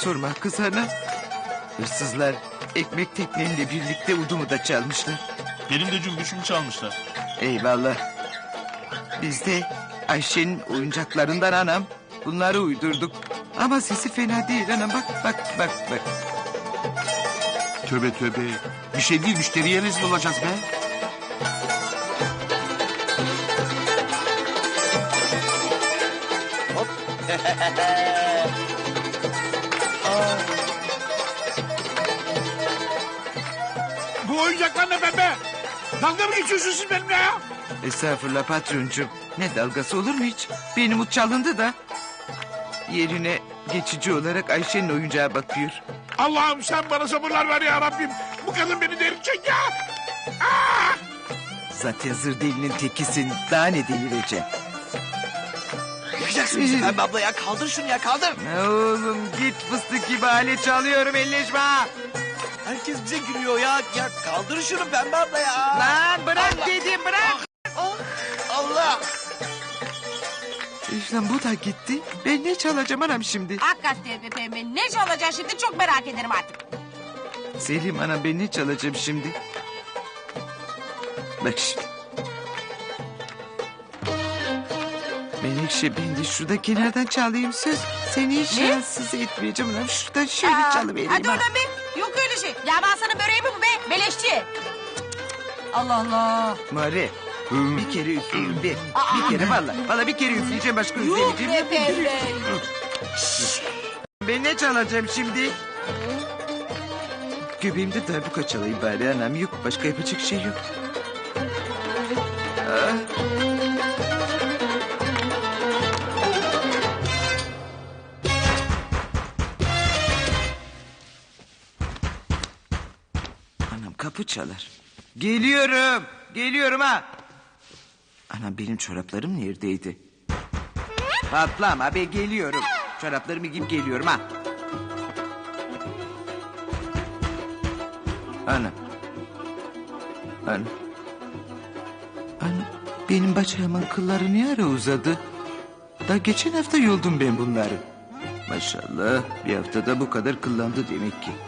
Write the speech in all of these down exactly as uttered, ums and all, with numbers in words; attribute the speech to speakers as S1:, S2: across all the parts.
S1: sorma kız ana. Hırsızlar ekmek tekneyle birlikte udumu da çalmışlar.
S2: Benim de cümbüşümü çalmışlar.
S1: Eyvallah. Biz de Ayşe'nin oyuncaklarından anam bunları uydurduk. Ama sesi fena değil anam, bak bak bak bak.
S3: Tövbe tövbe. Bir şey değil, müşteriye rezil olacağız be.
S4: Hop.
S3: Bu oyuncaklar ne bebe? Dalga mı geçiyorsun siz benimle ya?
S1: Estağfurullah patroncum. Ne dalgası olur mu hiç? Benim ut çalındı da. Yerine geçici olarak Ayşe'nin oyuncağı bakıyor.
S3: Allah'ım sen bana sabırlar ver ya Rabbim. Bu kadın beni delirecek ya. Aa!
S1: Zaten zır delinin tekisin. Daha ne delireceksin?
S4: Yakacaksın bizi Pembe abla ya. Kaldır şunu ya, kaldır.
S1: Oğlum git fıstık gibi alet çalıyorum, elleşme.
S4: Herkes bize gülüyor ya. Ya kaldır şunu Pembe abla ya.
S1: Lan bırak
S4: Allah.
S1: dedim, bırak.
S4: Ah, Allah.
S1: İşte bu da gitti. Ben ne çalacağım anam şimdi?
S5: Hakikaten be Pembe, ne çalacak şimdi çok merak ederim artık.
S1: Selim anam, ben ne çalacağım şimdi? Bak şimdi. Menekşe, ben de şurada kenardan çalayım söz. Seni hiç
S5: Ne?
S1: rahatsız etmeyeceğim anam. Şuradan şöyle
S5: Aa,
S1: çalıvereyim.
S5: hadi
S1: ha.
S5: oradan be, yok öyle şey. Ya ben sana böreği mi bu be, beleşçi. Allah Allah.
S1: Mare, bir kere üfleyeyim bir.
S5: Aa.
S1: Bir kere valla. Valla bir kere üfleyeceğim, başka
S5: Yok
S1: üfleyeceğim.
S5: be Pembe.
S1: Ben ne çalacağım şimdi? Göbeğimde darbuka çalayım bari anam. Yok, başka yapacak şey yok. Ah. Anam kapı çalar. Geliyorum. Geliyorum ha. Anam benim çoraplarım neredeydi? Patlama be, geliyorum. Çoraplarımı giyip geliyorum ha. Anam. Anam. Anam. Benim bacağımın kılları ne ara uzadı? Daha geçen hafta yoldum ben bunları. Maşallah, bir haftada bu kadar kıllandı demek ki.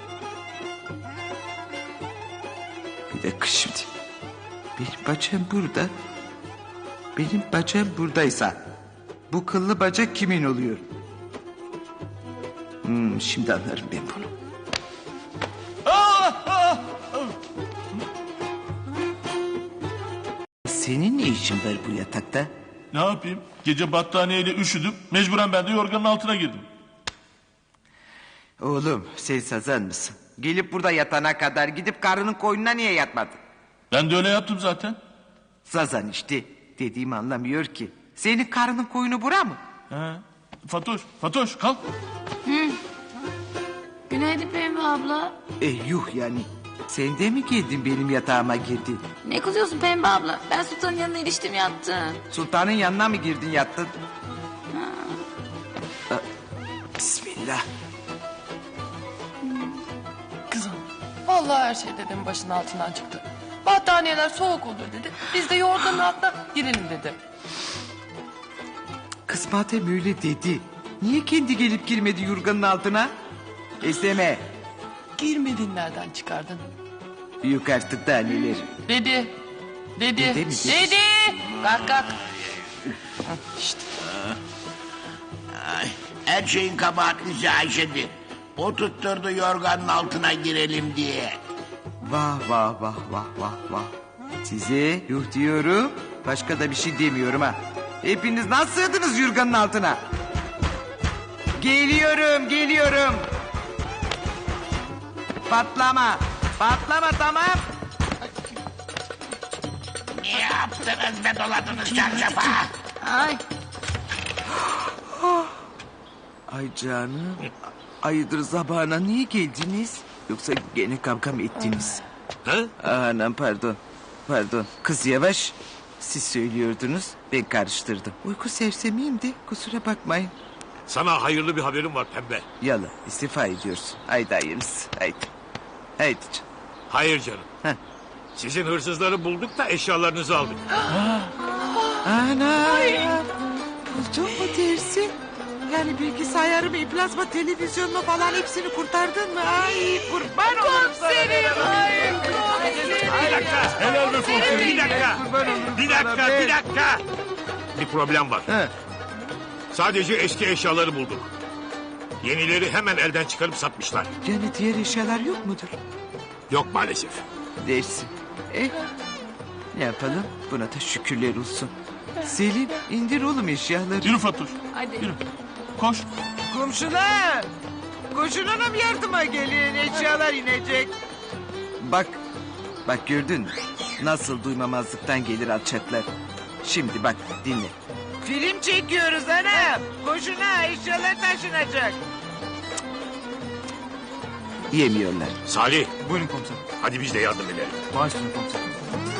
S1: Bir dakika şimdi. Benim bacağım burada. Benim bacağım buradaysa bu kıllı bacak kimin oluyor? Hmm, şimdi anlarım ben bunu. Senin ne işin var bu yatakta?
S2: Ne yapayım? Gece battaniyeyle üşüdüm. Mecburen ben de yorganın altına girdim.
S1: Oğlum, sen sazan mısın? Gelip burada yatana kadar gidip karının koynuna niye yatmadın?
S2: Ben de öyle yaptım zaten.
S1: Sazan işte. Dediğimi anlamıyor ki. Senin karının koyunu bura mı?
S2: He. Fatoş, Fatoş kalk.
S6: Günaydın Pembe abla.
S1: E yuh yani. Sen de mi geldin benim yatağıma girdin?
S6: Ne kızıyorsun Pembe abla? Ben Sultan'ın yanına iliştim yattım.
S1: Sultanın yanına mı girdin yattın? Ha. Bismillah.
S7: Kızım, vallahi her şey dedemin başının altından çıktı. Battaniyeler soğuk olur dedi. Biz de yorganın altına girelim dedi.
S1: Kız madem öyle dedi. Niye kendi gelip girmedi yorganın altına? Esneme.
S7: Girmediğin nereden çıkardın?
S1: Yok artık daha neler.
S7: Dedi. Dedi.
S1: Dede mi
S7: Dedi.
S1: dedi?
S7: Kalk kalk.
S8: Her şeyin kabahatlisi Ayşe'di. O tutturdu yorganın altına girelim diye.
S1: Vah vah vah vah vah vah. Size yuh diyorum. Başka da bir şey demiyorum ha. Hepiniz nasıl sığdınız yorganın altına? Geliyorum, geliyorum. Patlama. Patlama, tamam.
S8: Ne yaptınız be, doladınız çarşafa?
S6: Ay.
S1: Ay canım. Ayıdır sabahına niye geldiniz? Yoksa gene kavga mı ettiniz?
S3: Ha?
S1: Anam pardon. Pardon. Kız yavaş. Siz söylüyordunuz. Ben karıştırdım. Uyku sersemiyim de kusura bakmayın.
S3: Sana hayırlı bir haberim var Pembe.
S1: Yala istifa ediyorsun. Haydi hayırlısı. Haydi. Haydi canım.
S3: Hayır canım.
S1: Heh.
S3: Sizin hırsızları bulduk da eşyalarınızı aldık.
S1: Ana. Buldun mu dersin? Yani bilgisayarımı, plazma televizyonumu falan hepsini kurtardın mı? Ay kurban olurum sana.
S7: Komiserim, ay komiserim.
S3: Bir dakika.
S2: Helal be komiserim.
S3: Bir dakika.
S1: Kurban olurum
S3: Bir
S1: sana
S3: dakika,
S1: be.
S3: bir dakika. Bir problem var.
S1: He.
S3: Sadece eski eşyaları bulduk. Yenileri hemen elden çıkarıp satmışlar.
S1: Yani diğer eşyalar yok mudur?
S3: Yok maalesef.
S1: Dersin. Eh, ne yapalım? Buna da şükürler olsun. Selim indir oğlum eşyaları.
S2: Yürü Fatoş.
S6: Hadi.
S2: Yürü. Koş.
S1: Komşular. Koşun hanım yardıma gelin. Eşyalar inecek. Bak. Bak gördün mü? Nasıl duymamazlıktan gelir alçaklar. Şimdi bak dinle. Film çekiyoruz hanım. Koşun ha eşyalar taşınacak. Yemiyorlar.
S3: Salih
S2: Buyurun komiserim.
S3: hadi biz de yardım edelim.
S2: Başlayın komiserim.